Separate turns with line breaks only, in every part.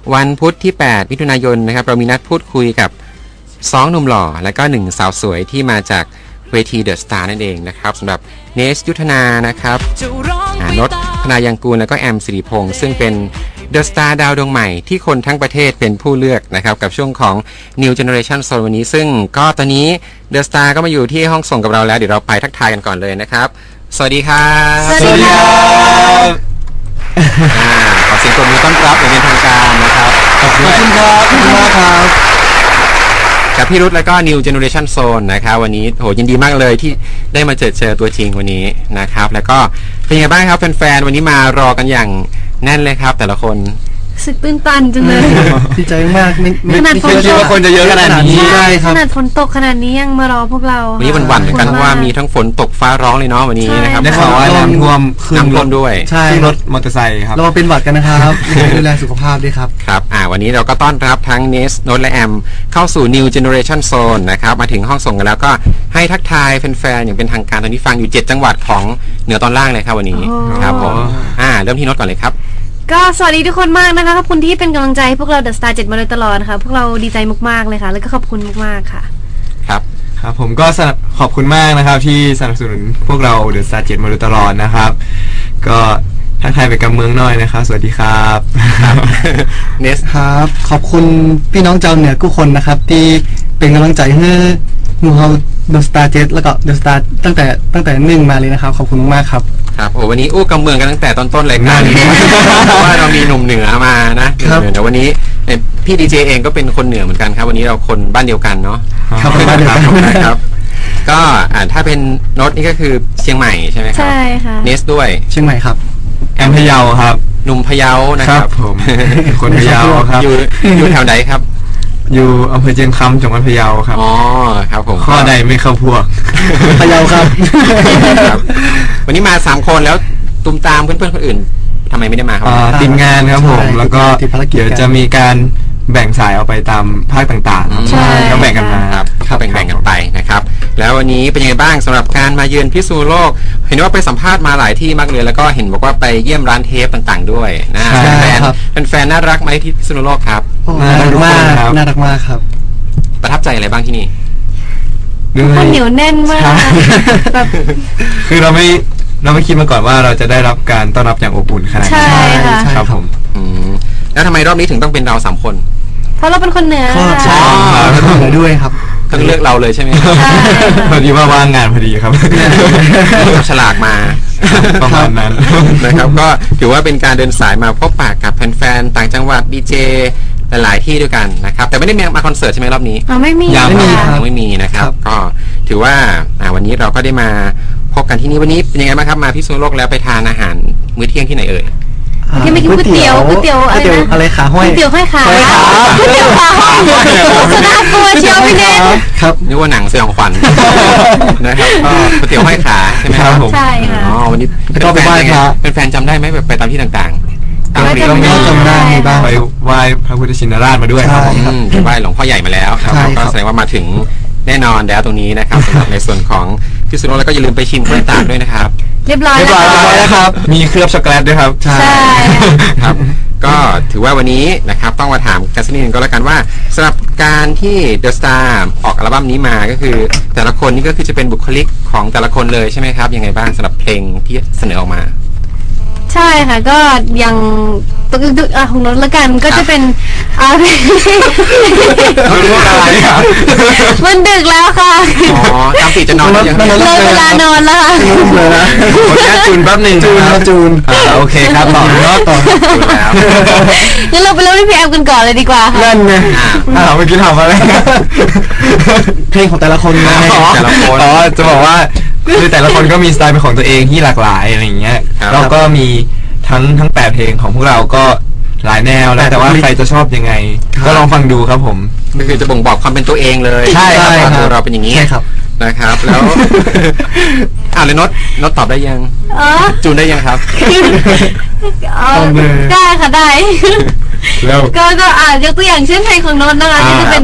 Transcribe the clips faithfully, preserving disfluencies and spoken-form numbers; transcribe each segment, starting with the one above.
วันพุธที่แปดมิถุนายนนะครับเรามีนัดพูดคุยกับสองหนุ่มหล่อและก็หนึ่งสาวสวยที่มาจากเวทีเดอะสตาร์นั่นเองนะครับสำหรับเนสยุทธนานะครับนนท์ธนายังกูลแล้วก็แอมสิริพงษ์ซึ่งเป็นเดอะสตาร์ดาวดวงใหม่ที่คนทั้งประเทศเป็นผู้เลือกนะครับกับช่วงของ New Generation Zone วันนี้ซึ่งก็ตอนนี้เดอะสตาร์ก็มาอยู่ที่ห้องส่งกับเราแล้วเดี๋ยวเราไปทักทายกันก่อนเลยนะครับสวัสดีครับ
สวัสดีครับ
ขอเสียงปรบมือต้อนรับอย่างเป็นทางการนะครับ
ขอบคุณครับขอบคุณมากครับ
กับพี่รุธแล้วก็ New Generation Zone นะครับวันนี้โหยินดีมากเลยที่ได้มาเจอเจอตัวจริงวันนี้นะครับแล้วก็เป็นยังไงบ้างครับแฟนๆวันนี้มารอกันอย่างแน่นเลยครับแต่ละคน
สึกตื้นตันจังเลย
ดีใจมากไม่
ไม่
คิดว่าคนจะเยอะขนาดนี้
ใช่ครับขนาดฝนตกขนาดนี้ยังมารอพวกเรา
วันนี้วันๆเหมือนกันว่ามีทั้งฝนตกฟ้าร้องเลยเนาะวันนี้นะครับ
ได้ข่าวว่าน้ำท่วม
น้ำท่วมด้วย
ใช่รถมอเตอร์ไซค์ครับเราเป็นหวัดกันนะครับดูแลสุขภาพด้วยครับ
ครับอ่าวันนี้เราก็ต้อนรับทั้งเนสโนตและแอมเข้าสู่ New Generation Zone นะครับมาถึงห้องส่งกันแล้วก็ให้ทักทายแฟนๆอย่างเป็นทางการตอนนี้ฟังอยู่เจ็ดจังหวัดของเหนือตอนล่างเลยครับวันนี้ครับผมอ่าเริ่มที่โนตก่อนเลยครับ
ก็สวัสดีทุกคนมากนะคะขอบคุณที่เป็นกำลังใจพวกเราเดอะสตาร์เจ็ดมาโดยตลอดค่ะพวกเราดีใจมากๆเลยค่ะแล้วก็ขอบคุณมากๆค่ะ
ครับ
ครับผมก็ขอบคุณมากนะครับที่สนับสนุนพวกเราเดอะสตาร์เจ็ดมาโดยตลอดนะครับก็ทักทายไปกับเมืองน้อยนะครับสวัสดีครับ
เนส
ครับขอบคุณพี่น้องชาวเหนือทุกคนนะครับที่เป็นกำลังใจให้หนูเราเดอะสตาร์เจ็ดแล้วก็เดอะสตาร์ตั้งแต่ตั้งแต่หนึ่งมาเลยนะครับขอบคุณมากครับ
ครับโอ้วันนี้อู้กำเมืองกันตั้งแต่ต้นๆเลยนะเพราะว่าเรามีหนุ่มเหนือมานะเดี๋ยววันนี้พี่ดีเจเองก็เป็นคนเหนือเหมือนกันครับวันนี้เราคนบ้านเดียวกันเนาะ
ครับบ้านเดียวกัน
ครับก็ถ้าเป็นโน้ตนี่ก็คือเชียงใหม่ใช่ไหมครับ
ใช่ค่ะ
เนสด้วย
เชียงใหม่ครับแอมพะเยาครับ
หนุ่มพะเยานะครับ
ผมคนพะเยาครับ
อยู่อยู่แถวไหนครับ
อยู่อำเภอเชียงคำจังหวัดพะเยาครับ
อ๋อครับผม
ข้อใดไม่เข้าพวกพะเยาครับ
วันนี้มาสามคนแล้วตุ้มตามเพื่อนๆคนอื่นทำไมไม่ได้มาครับ
ติดงานครับผมแล้วก็เดี๋ยวจะมีการแบ่งสายออกไปตามภาคต่างๆ
ใช่
ก็แบ่งกันมา
ครับแบ่งๆกันไปนะครับแล้ววันนี้เป็นยังไงบ้างสำหรับการมาเยือนพิษณุโลกเห็นว่าไปสัมภาษณ์มาหลายที่มากเลยแล้วก็เห็นบอกว่าไปเยี่ยมร้านเทปต่างๆด้วยนะแฟนเป็นแฟนน่ารักไหมที่พิษณุโลกครับ
น่ารักมากน่ารักมากครับ
ประทับใจอะไรบ้างที่นี่
คนเหนียวแน่นมากแบบ
คือเราไม่เราไม่คิดมาก่อนว่าเราจะได้รับการต้อนรับอย่างอบอุ่นขนาดนี้
ใช่ค่ะ
ครับผม
แล้วทำไมรอบนี้ถึงต้องเป็นเราสามคน
เพราะเราเป็นคนเหนือ
ใช่เป็นคนเหนือด้วยครับ
ต้องเลือกเราเลยใช่ไหม
พอดีว่าว่างงานพอดีครับ
ฉลากมา
ประมาณนั้น
นะครับก็ถือว่าเป็นการเดินสายมาพบปะกับแฟนๆต่างจังหวัดดีเจหลายที่ด้วยกันนะครับแต่ไม่ได้มาคอนเสิร์ตใช่ไหมรอบนี้
ไม่มี
ยังไม่มียังไม่มีนะครับก็ถือว่าวันนี้เราก็ได้มาพบกันที่นี่วันนี้เป็นยังไงบ้างครับมาพิษณุโลกแล้วไปทานอาหารมื้อเที่ยงที่ไหนเอ่ย
ที่ไม่กินก๋วยเตี๋ยวก๋วยเตี๋ยวอะไรนะ
อะไรขาห้อย
ก๋วยเตี๋ยวห้อยขาก๋วยเตี๋ยวขาห้อยโฆษณาตัวเชียวพี่เนท
ครับนึกว่าหนังสยองขวัญนะครับก็ก๋วยเตี๋ยวห้อยขาใช่ไหมครับ
ใช่ค่ะ
อ๋อวันนี้
ก็ไปไหว้พระ
เป็นแฟนจำได้ไหมแบบไปตามที่ต่าง
ๆตามที่เราไม่จำได้บ้างไปไหว้พระพุทธชินราชมาด้วยครับ
ไปไหว้หลวงพ่อใหญ่มาแล้วก็แสดงว่ามาถึงแน่นอนแล้วตรงนี้นะครับสำหรับในส่วนของพิษณุโลกแล้วก็อย่าลืมไปชิมกล้วยตากด้วยนะครับ
เรียบร้อย
แล้วครับมีเคลือบช็อกโกแลตด้วยครับ
ใช่
ครับก็ถือว่าวันนี้นะครับต้องมาถามกันสักนิดนึงก็แล้วกันว่าสำหรับการที่เดอะสตาร์ออกอัลบั้มนี้มาก็คือแต่ละคนนี่ก็คือจะเป็นบุคลิกของแต่ละคนเลยใช่ไหมครับยังไงบ้างสำหรับเพลงที่เสนอออกมา
ใช่ค่ะก็ยังตึกตึกอ่ะของรถละกันก็จะเป็นอะไรมันดึกแล้วค่ะ
อ๋อตามติจะนอน
ยังเลยเวลานอนแล้วค่ะ
ขอแค่จูนแป๊บหนึ่งจูนจูนโอเคครับต่อเนาะต่อจูนแล้ว
งั้นเราไปเริ่มที่พี่แอมกันก่อนเลยดีกว่าค่ะ
นั่นไงอ้าวเมื่อกี้ถามอะไรเพลงของแต่ละคนไง
แต่ละคน
อ๋อจะบอกว่าคือแต่ละคนก็มีสไตล์เป็นของตัวเองที่หลากหลายอะไรอย่างเงี้ยเราก็มีทั้งทั้งแปดเพลงของพวกเราก็หลายแนวแล้วแต่ว่าใครจะชอบยังไงก็ลองฟังดูครับผม
ก็คือจะบ่งบอกความเป็นตัวเองเลย
ใช่ครับ
ตัวเราเป็นอย่างนี้
ใช่ครับ
นะครับแล้วอ่าเลยน็อตน็อตตอบได้ยังจูนได้ยังครับ
ได้ค่ะได้แล้วก็ก็อ่ายกตัวอย่างเช่นเพลงของน็อตนะคะที่จะเป็น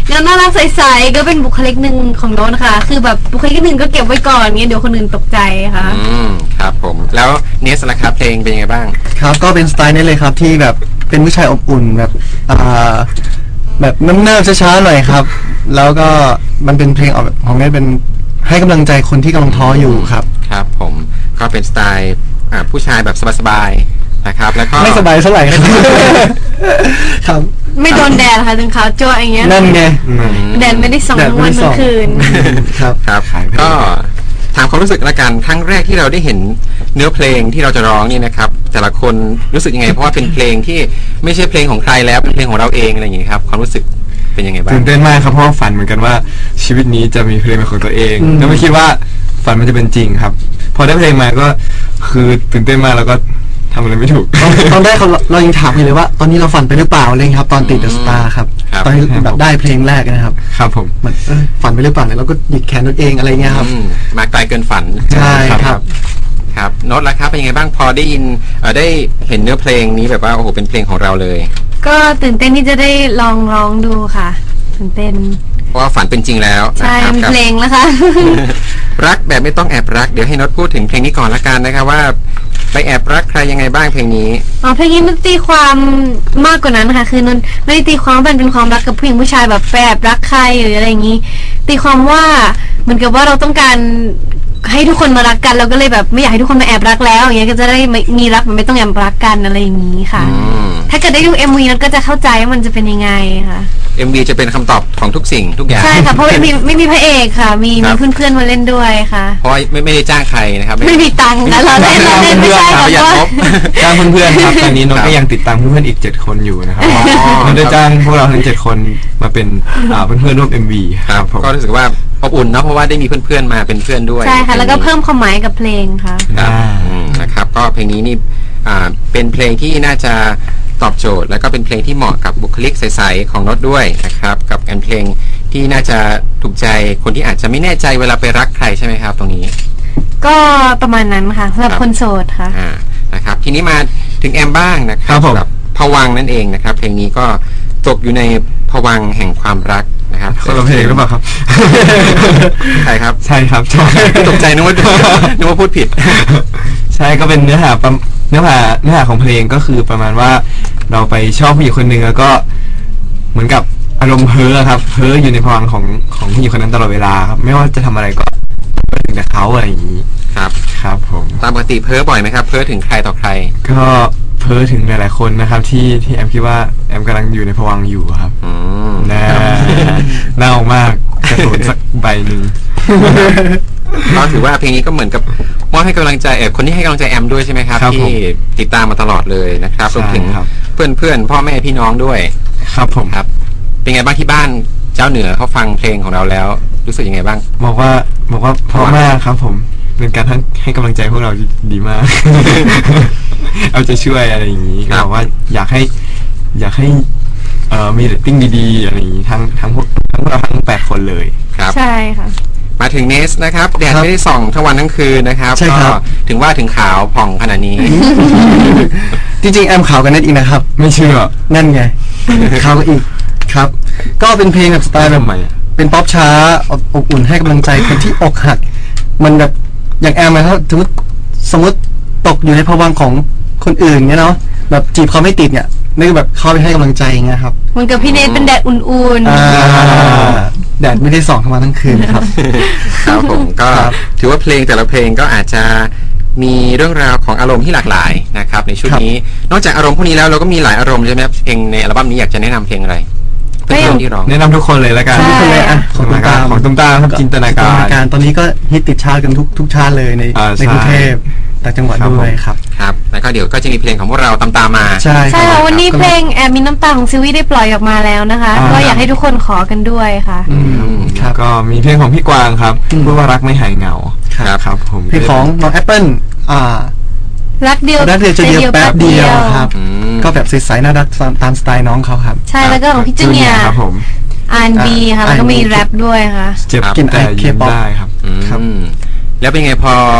งานน่ารักใสๆก็เป็นบุคลิกหนึ่งของโน้ตค่ะคือแบบบุคลิกหนึ่งก็เก็บไว้ก่อนเงี้ยเดี๋ยวคนอื่นตกใจค่ะ
อืมครับผมแล้วเนสล่ะครับเพลงเป็นยังไงบ้าง
ครับก็เป็นสไตล์นี้เลยครับที่แบบเป็นผู้ชายอบอุ่นแบบอ่าแบบน้ำเนิบช้าๆหน่อยครับแล้วก็มันเป็นเพลงออกของนี้เป็นให้กำลังใจคนที่กำลังท้ออยู่ครับ
ครับผมก็เป็นสไตล์อ่าผู้ชายแบบสบายๆนะครับแล้วก็
ไม่สบายเท่าไหร่ครับครับ
ไม่โดนแดดค่ะถึงขาวจ้วอย่างเงี้ย
นั่นไง
แดดไม่ได้ส่องทั้งวันทั้งคืน
ครับ
ครับก็ถามความรู้สึกละกันครั้งแรกที่เราได้เห็นเนื้อเพลงที่เราจะร้องนี่นะครับแต่ละคนรู้สึกยังไงเพราะว่าเป็นเพลงที่ไม่ใช่เพลงของใครแล้วเป็นเพลงของเราเองอะไรอย่างนี้ครับความรู้สึกเป็นยังไงบ้าง
ตื่นเต้นมากครับเพราะว่าฝันเหมือนกันว่าชีวิตนี้จะมีเพลงเป็นของตัวเองแล้วไม่คิดว่าฝันมันจะเป็นจริงครับพอได้เพลงมาก็คือตื่นเต้นมากแล้วก็ทำอะไรไม่ถูก
ตอนแรกเราเรายังถามอยู่เลยว่าตอนนี้เราฝันไปหรือเปล่าเลยครับตอนติดเดอะสตาร์ครับตอนที่แบบได้เพลงแรกนะครับ
ครับผม
มันฝันไปหรือเปล่าเนี่ยเราก็หยิกแขนตัวเองอะไรเงี้ยครับ
มาไกลเกินฝัน
ใช่ครับ
ครับโน้ตล่ะครับเป็นยังไงบ้างพอได้ยินได้เห็นเนื้อเพลงนี้แบบว่าโอ้โหเป็นเพลงของเราเลย
ก็ตื่นเต้นที่จะได้ลองร้องดูค่ะตื่นเต้น
เพราะว่าฝันเป็นจริงแล้ว
ใช่เป็นเพลงแล้วค่ะ
รักแบบไม่ต้องแอบรักเดี๋ยวให้โน้ตพูดถึงเพลงนี้ก่อนละกันนะครับว่าไปแอบรักใครยังไงบ้างเพลงนี้
อ๋อเพลงนี้มันตีความมากกว่านั้นค่ะคือนนไม่ได้ตีความมันเป็นความรักกับผู้หญิงผู้ชายแบบแอบรักใครหรืออะไรอย่างนี้ตีความว่าเหมือนกับว่าเราต้องการให้ทุกคนมารักกันเราก็เลยแบบไม่อยากให้ทุกคนมาแอบรักแล้วอย่างเงี้ยก็จะได้มีรักมันไม่ต้องแอบรักกันอะไรอย่างนี้ค่ะถ้าเกิดได้ดู เอ็ม วี นั้นก็จะเข้าใจว่ามันจะเป็นยังไงค่ะ
เอ็ม วี จะเป็นคำตอบของทุกสิ่งทุกอย่าง
ใช่ค่ะเพราะไม่มีไม่มีพระเอกค่ะมีมีเพื่อนๆมาเล่นด้วยค่ะ
เพราะไม่ไม่ได้จ้างใครนะครับ
ไม่มีตังค์นะเราเล่นเราเล่นไม่ใช่ค่ะ
จ้างเพื่อนๆครับตอนนี้น้องก็ยังติดตามเพื่อนๆอีกเจ็ดคนอยู่นะครับเราได้จ้างพวกเราทั้งเจ็ดคนมาเป็นเพื่อนๆร่วม เอ็ม วี
ครับก็รู้สึกว่าอบอุ่นเนาะเพราะว่าได้มีเพื่อนๆมาเป็นเพื่อนด้วย
ใช่ค่ะแล้วก็เพิ่มความหมายกับเพลงค่ะ
นะครับก็เพลงนี้นี่เป็นเพลงที่น่าจะตอบโจทย์แล้วก็เป็นเพลงที่เหมาะกับบุคลิกใสๆของโน้ตด้วยนะครับกับการเพลงที่น่าจะถูกใจคนที่อาจจะไม่แน่ใจเวลาไปรักใครใช่ไหมครับตรงนี้
ก็ประมาณนั้นค่ะสำหรับคนโสดค่ะ
นะครับทีนี้มาถึงแอมบ้างนะครับแบบภวังค์นั่นเองนะครับเพลงนี้ก็ตกอยู่ในภวังค์แห่งความรักนะครับ
คนละเพลงหรือเปล่าครับ
ใช่ครับ
ใช่ครับ
ตกใจนึกว่านึกว่าพูดผิด
ใช่ก็เป็นเนื้อหาเนื้อหาเนื้อหาของเพลงก็คือประมาณว่าเราไปชอบผู้หญิงคนหนึ่งแล้วก็เหมือนกับอารมณ์เพ้อครับเพ้ออยู่ในภวังค์ของของผู้หญิงคนนั้นตลอดเวลาครับไม่ว่าจะทำอะไรก็ถึงแต่เขาอะไรอย่างนี้
ครับ
ครับผม
ตามปกติเพ้อบ่อยไหมครับเพ้อถึงใครต่อใคร
ก็เพ้อถึงหลายๆคนนะครับที่ที่แอมคิดว่าแอมกำลังอยู่ในภวังค์อยู่ครับน่าน่าออกมากกระสุนสักใบหนึ่ง
ก็ถือว่าเพลงนี้ก็เหมือนกับมอบให้กำลังใจเออคนที่ให้กำลังใจแอมด้วยใช่ไหมครับที่ติดตามมาตลอดเลยนะครับรวมถึงเพื่อนเพื่อนพ่อแม่พี่น้องด้วย
ครับผม
ครับเป็นไงบ้างที่บ้านเจ้าเหนือเขาฟังเพลงของเราแล้วรู้สึกยังไงบ้าง
บอกว่าบอกว่าเพราะมากครับผมเป็นการทั้งให้กำลังใจพวกเราดีมากเอาใจช่วยอะไรอย่างนี้บอกว่าอยากให้อยากให้เอ่อมีเรตติ้งดีๆอะไรอย่างนี้ทั้งทั้งพวกทั้งเราทั้งแปดคนเลย
ครับ
ใช่ค่ะ
มาถึงเนสนะครับแดดไม่ได้ส่องทั้งวันทั้งคืนนะครับก็ถึงว่าถึงขาวผ่องขนาดนี้
จริงๆแอมขาวกันนั่นอีกนะครับ
ไม่เชื่อ
นั่นไงขาวกันอีกครับก็เป็นเพลงแบบสไตล์แบบเป็นป๊อปช้าอบอุ่นให้กำลังใจคนที่อกหักมันแบบอย่างแอมนะครับสมมติสมมติตกอยู่ในภวังค์ของคนอื่นเงี้ยเนาะแบบจีบเขาไม่ติดเนี่ยนี่แบบเข้าไปให้กำลังใจเงี้ยครับ
เหมือนกับพี่เนทเป็นแดดอุ่น
ๆแดดไม่ได้ส่องทั้งวันทั้งคืนครับ
ครับผมก็ถือว่าเพลงแต่ละเพลงก็อาจจะมีเรื่องราวของอารมณ์ที่หลากหลายนะครับในชุดนี้นอกจากอารมณ์พวกนี้แล้วเราก็มีหลายอารมณ์ใช่ไหมครับเพลงในอัลบั้มนี้อยากจะแนะนำเพลงอะไรเพื่อนที่ร้อง
แนะนำทุกคนเลยแล้วกัน
ทุกคนเลยอ่ะ
ของตุ้มตามของตุ้มตามครับจินตนาการ
ตอนนี้ก็ฮิตติดชาร์ตกันทุกทุกชาติเลยในในกรุงเทพต่างจังหวัดด้วยครับ
ครับแล้วก็เดี๋ยวก็จะมีเพลงของพวกเราตามตามมา
ใช่
ใช่ค่ะวันนี้เพลงแอบมีน้ำตาของซิวี่ได้ปล่อยออกมาแล้วนะคะก็อยากให้ทุกคนขอกันด้วยค่ะ
ครับก็มีเพลงของพี่กวางครับพูดว่ารักไม่หายเหงา
ครับ
ครับผม
เพลงของน้องแอปเปิ้ลอ่า
รักเดียว
รักเดียวจะเดียวแป๊บเดียวครับก็แบบใสๆน่ารักตามสไตล์น้องเขาครับ
ใช่แล้วก็ของพี่จูเนียร์
ครับผม
อาร์ แอนด์ บี ค่ะแล้วก็มีแรปด้วยค่ะ
เจ็บกินไอเคป๊อปได้ครับ
ครับแล้วเป็นไงพอ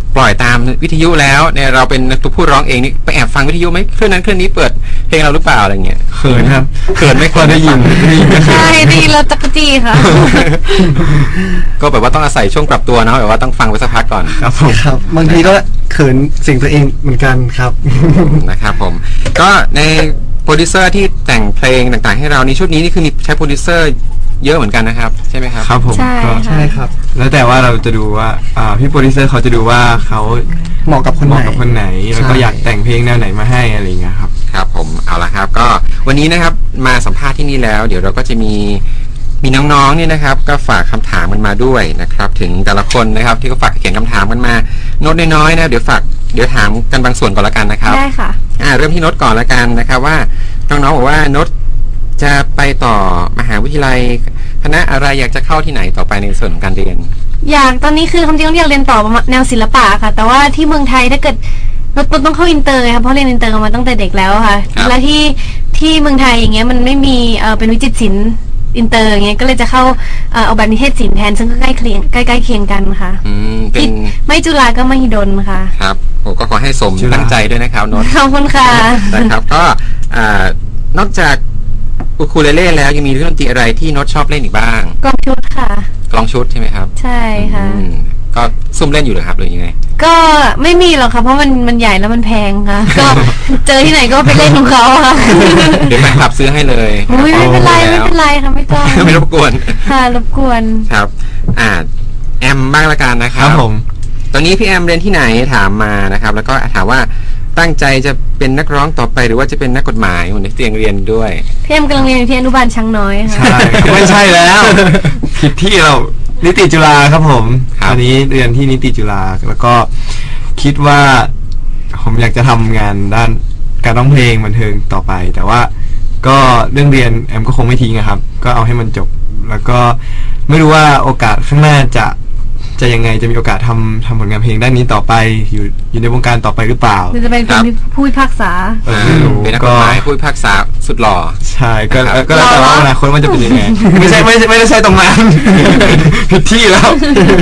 ปล่อยตามวิทยุแล้วเนี่ยเราเป็นตัวผู้ร้องเองนี่ไปแอบฟังวิทยุไหมเครื่องนั้นเครื่องนี้เปิดเพลงเราหรือเปล่าอะไรเงี้ย
เขินครับ
เขินไม่
พอได้ยินได้ยิน
ใช่ดีแล้วตะกจีค่ะ
ก็แบบว่าต้องอาศัยช่วงปรับตัวเนาะแบบว่าต้องฟังไปสักพักก่อน
ครับผม
ครับบางทีก็เขินเสียงตัวเองเหมือนกันครับ
นะครับผมก็ในโปรดิวเซอร์ที่แต่งเพลงต่างๆให้เราในชุดนี้นี่คือมีใช้โปรดิวเซอร์เยอะเหมือนกันนะครับใช่ไหมครับ
ครับผม
ใช่
ก็
ค่ะ
ใช่ครับ
แล้วแต่ว่าเราจะดูว่าอ่าพี่โปรดิวเซอร์เขาจะดูว่าเขา
เหมาะกับคน
เห
ไหน
มาะกับคนไหนแล้วก็
ใช่
อยากแต่งเพลงแนวไหนมาให้อะไรอย่างเงี้ยครับ
ครับผมเอาละครับก็วันนี้นะครับมาสัมภาษณ์ที่นี่แล้ว เดี๋ยวเราก็จะมีมีน้องๆเนี่ยนะครับก็ฝากคำถามกันมาด้วยนะครับถึงแต่ละคนนะครับที่ก็ฝากเขียนคำถามกันมาโน้ตน้อยๆนะเดี๋ยวฝากเดี๋ยวถามกันบางส่วนก่อนละกันนะครับ
ได้ค่ะ
อ่าเริ่มที่โน้ตก่อนละกันนะครับว่าน้องๆบอกว่าโน้ตจะไปต่อมหาวิทยาลัยคณะอะไรอยากจะเข้าที่ไหนต่อไปในส่วนของการเรียน
อยากตอนนี้คือคำจริงต้องอยากเรียนต่อแนวศิลปะค่ะ แต่ว่าที่เมืองไทยถ้าเกิดเราต้องเข้าอินเตอร์ค่ะเพราะเรียนอินเตอร์มาตั้งแต่เด็กแล้วค่ะ
ครับ
แล้วที่ที่เมืองไทยอย่างเงี้ยมันไม่มีเออเป็นวิจิตรศิลป์อินเตอร์อย่างเงี้ยก็เลยจะเข้าเอ่อออกแบบนิเทศศิลป์แทนซึ่งก็ใกล้เคียงใกล้ๆเคียงกันค่ะ
อืมเป็น
ไม่จุฬาก็มหิดลค่ะ
ครับผมก็ขอให้สม
จุฬา
ตั้งใจด้วยนะครับโน้ต
ขอบคุณค่ะ
นะครับก็อ่านอกจากอูคูเลเล่แล้วยังมีเครื่องดนตรีอะไรที่โน้ตชอบเล่นอีกบ้าง
กองชุดค่ะ
กลองชุดใช่ไหมครับ
ใช่ค่ะ
อืมก็ซุ่มเล่นอยู่เหรอครับหรือยังไง
ก็ไม่มีหรอกค่ะเพราะมันมันใหญ่แล้วมันแพงค่ะ ก็เจอที่ไหนก็ไปเล่นของเขาค่ะ
เดี๋ยวแฟนคลับซื้อให้เลย
อุ้ยไม่เป็นไร
แล้
ไม่
ว
เป็นไรค่ะไม่ต้อง
ไม่รบกวน
ค่ะรบกวน
ครับ อ่าแอมบ้างละกันนะค
ค
รั
รั
บบ
ผม
ตอนนี้พี่แอมเรียนที่ไหนถามมานะครับ แล้วก็ถามว่าตั้งใจจะเป็นนักร้องต่อไปหรือว่าจะเป็นนักกฎหมายเหมือนที่เตียงเรียนด้วย
พี่เอ็มกำลังเรียนอยู่ที่อนุบาลช้างน้อยค่ะ
ใช่ไม่ใช่แล้วผิดที่เรานิติจุฬาครับผม
ครับ
อันนี้เรียนที่นิติจุฬาแล้วก็คิดว่าผมอยากจะทำงานด้านการร้องเพลงบันเทิงต่อไป แต่ว่าก็เรื่องเรียนแอมก็คงไม่ทิ้งอะครับ ก็เอาให้มันจบ แล้วก็ไม่รู้ว่าโอกาสข้างหน้าจะจะยังไงจะมีโอกาสทำทำผลงานเพลงด้านนี้ต่อไปอยู่อยู่ในวงการต่อไปหรือเปล่า
หรือจะเป็น
ครับ
ผู้พิพากษา
เออไม่รู้
เป็นนักกฎหมายผู้พิพากษาสุดหล่อ
ใช่ก็
นะครับ
ก็แล้วแต่ว่าอนาคตมันจะเป็นยังไง ไม่ใช่ไม่ใช่ไม่ได้ใช่ตรงนั้น ผิดที่แล้ว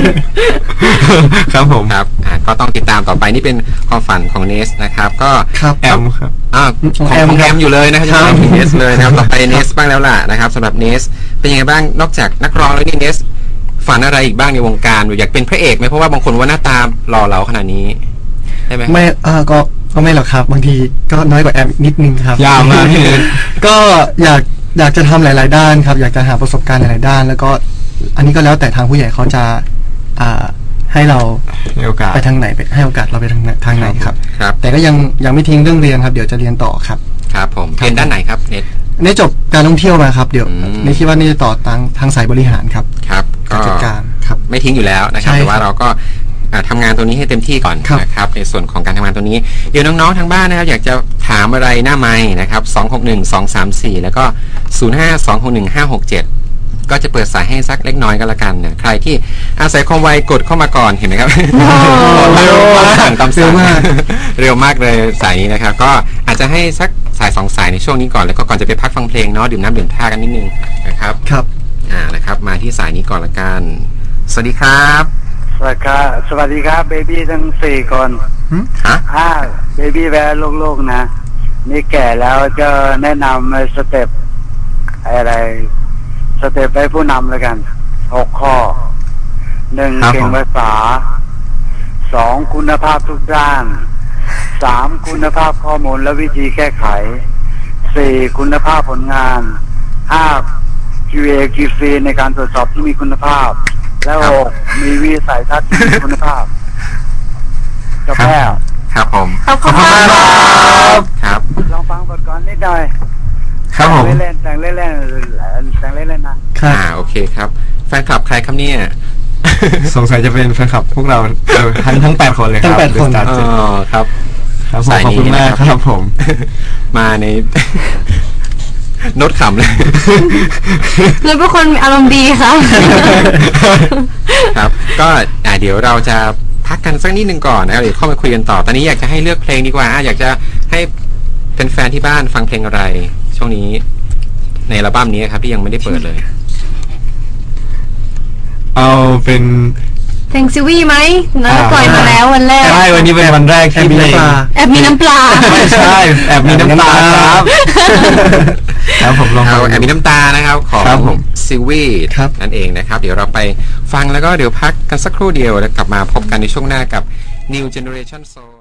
ครับผม
ครับอ่าก็ต้องติดตามต่อไปนี่เป็นความฝันของเนสนะครับก็
ครับ
แอมครับ
อ่าของของแอม
ครับ
อยู่เลยนะครับ
ครั
จะ
บ
ต้องถึงเนสเลยนะครับต่อไปเนสบ้างแล้วล่ะนะครับสำหรับเนสเป็นยังไงบ้างนอกจากนักร้องแล้วนี่เนสฝันอะไรอีกบ้างในวงการอยากเป็นพระเอกไหมเพราะว่าบางคนว่าหน้าตาหล่อเหลาขนาดนี้ใช่ไหม
ไม่เออก็ก็ไม่หรอกครับ บางทีก็น้อยกว่าแอมนิดนึงครับ
ยาวมาก
ก็อยากอยากจะทำหลาย ๆ ด้านครับ อยากจะหาประสบการณ์หลาย ๆ ด้าน แล้วก็อันนี้ก็แล้วแต่ทางผู้ใหญ่เขาจะอ่าให้เรา
ในโอกาส
ไปทางไหนไปให้โอกาสเราไปทางไหนทางไหนครับ
ครับ
แต่ก็ยังยังไม่ทิ้งเรื่องเรียนครับ เดี๋ยวจะเรียนต่อครับ
ครับผมเรียนด้านไหนครับเนส
นี่จบการท่องเที่ยวมาครับ เดี๋ยว
อืม
นี่คิดว่านี่จะต่อทางทางสายบริหารครับ
ครับ
การจัดการครับ
ไม่ทิ้งอยู่แล้วนะครับ
ใช่
แต่ว่าเราก็อ่าทำงานตัวนี้ให้เต็มที่ก่อน
ครับ
นะครับในส่วนของการทำงานตัวนี้เดี๋ยวน้องๆทางบ้านนะครับอยากจะถามอะไรหน้าไมค์นะครับสองหกหนึ่ง สองสามสี่แล้วก็ศูนย์ห้า สองหกหนึ่ง ห้าหกเจ็ดก็จะเปิดสายให้สักเล็กน้อยก็แล้วกันนะใครที่อาศัยความไวกดเข้ามาก่อนเห็นไหมครับ
เร็วมาก
สั่งตามสั่ง
เร็วมาก
เร็วมากเลยสายนี้นะครับ ก็อาจจะให้สักสายสองสายในช่วงนี้ก่อนแล้วก็ก่อนจะไปพักฟังเพลงเนาะดื่มน้ำดื่มท่ากันนิดนึงนะครับ
ครับ
อ่านะครับมาที่สายนี้ก่อนละกันสวัสดีครับ
สวัสดีครับสวัสดีครับเบบี้ทั้งสี่คน
ฮะ
อ่าเบบี้แวร์ลูกๆนะ นี่แก่แล้วจะแนะนำสเต็ปอะไร สเต็ปให้ผู้นำแล้วกันหกข้อหนึ่ง
ครับ
เก่ง
ผม
ภาษาสองคุณภาพทุกด้านสามคุณภาพข้อมูลและวิธีแก้ไขสี่คุณภาพผลงานห้า คิว เอ คิว ซี ในการตรวจสอบที่มีคุณภาพ และหกมีวิสัยทัศน์ที่มีคุณภาพจบแล้ว
ครับผม
ขอบคุณมาก
ครับ
ลองฟังบทก่อนนิดหน่อย
ครับผม
แต่งเล่นๆแต่งเล่นๆแต่งเล่นๆนะ
ครับ
อ่าโอเคครับ แฟนคลับใครครับเนี่ย
สงสัยจะเป็นแฟนคลับพวกเราเออทั้งทั้งแปดคนเลยครับ
ทั้งแปดคน
The Star
อ๋
เจ็ด
อครับ
ครับผม
สาย
ขอบ
นี้
คุณมาก
นะครับ
ครับผม
มาใน โน้ตขำเลย
เลยเป็นคนอารมณ์ดีค่ะ
ครับ ก็อ่าเดี๋ยวเราจะพักกันสักนิดนึงก่อนนะครับเดี๋ยวเข้ามาคุยกันต่อ ตอนนี้อยากจะให้เลือกเพลงดีกว่าอ่ะอยากจะให้แฟนๆที่บ้านฟังเพลงอะไร ช่วงนี้ในอัลบั้มนี้ครับที่ยังไม่ได้เปิดเลย
เอาเป็น
เพลงซิวี่ไหมนะ
อ่า
ปล่อยมาแล้ววันแรก
ใช่วันนี้เป็นวันแรก
แอบ
ที่
มี
เพลง
น้ำปลา
แอบมีน้ำปลา
ไม่ใช่แอบมีน้ำตาครับแล้วผมลอง
เอา
ฟัง
แอบมีน้ำตานะครับของ
ครับผม
ซิวี
ครับ
นั่นเองนะครับ เดี๋ยวเราไปฟังแล้วก็เดี๋ยวพักกันสักครู่เดียวแล้วกลับมาพบกันในช่วงหน้ากับ New Generation Soul